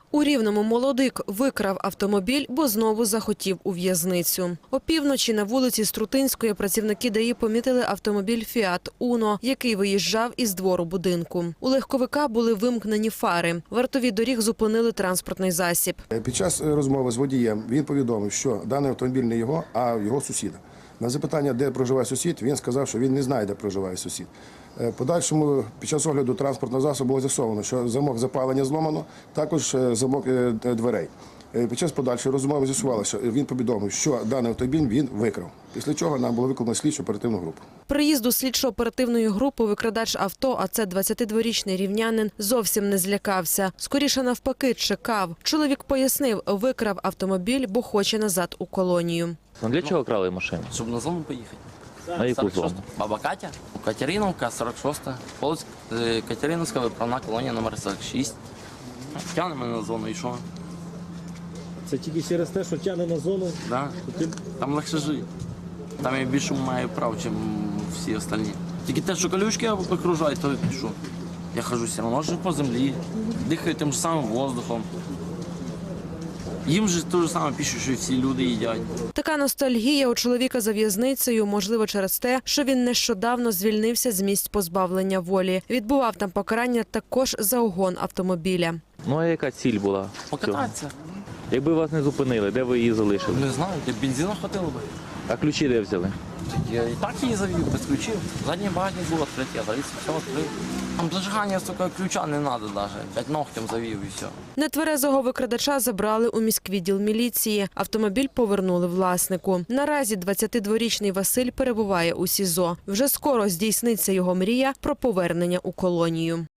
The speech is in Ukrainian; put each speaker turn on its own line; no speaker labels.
У Рівному молодик викрав автомобіль, бо знову захотів у в'язницю. Опівночі на вулиці Струтинської працівники ДАІ помітили автомобіль «Фіат Уно», який виїжджав із двору будинку. У легковика були вимкнені фари. Вартові доріг зупинили транспортний засіб.
Під час розмови з водієм він повідомив, що даний автомобіль не його, а його сусіда. На запитання, де проживає сусід, він сказав, що він не знає, де проживає сусід. Подальшому, під час огляду транспортного засобу було з'ясовано, що замок запалення зломано, також замок дверей. Під час подальшої розмови з'ясувалося, що він повідомив, що даний автомобіль він викрав. Після чого нам було викликано слідчо-оперативну групу.
Приїзду слідчо-оперативної групи викрадач авто, а це 22-річний рівнянин, зовсім не злякався. Скоріше навпаки, чекав. Чоловік пояснив, викрав автомобіль, бо хоче назад у колонію.
Ну для чого крали машину?
Щоб на зону поїхати.
На яку зону?
Баба Катя, Катериновка, 46-та, Полоцьк, Катериновська, виправна колонія номер 46. Тягне мене на зону і що?
Це тільки через те, що тягне на зону?
Да. Там легше жити. Там я більше маю прав, ніж всі остальні. Тільки те, що колючки окружають, то що? Я хожу все одно живу по землі, дихаю тим ж самим воздухом. Їм же те ж саме пишуть, що всі люди їдять.
Така ностальгія у чоловіка за в'язницею, можливо, через те, що він нещодавно звільнився з місць позбавлення волі. Відбував там покарання також за угон автомобіля.
Ну а яка ціль була?
Покататися.
Якби вас не зупинили, де ви її залишили?
Не знаю, де бензину хватило би.
А ключі де взяли?
Я і так її завів, без ключів. Задній багажник був відкритий, я завів, все відкрив. Там зажигання, сука, ключа не треба навіть. 5 ногтем завів і все.
Нетверезого викрадача забрали у міськвідділ міліції. Автомобіль повернули власнику. Наразі 22-річний Василь перебуває у СІЗО. Вже скоро здійсниться його мрія про повернення у колонію.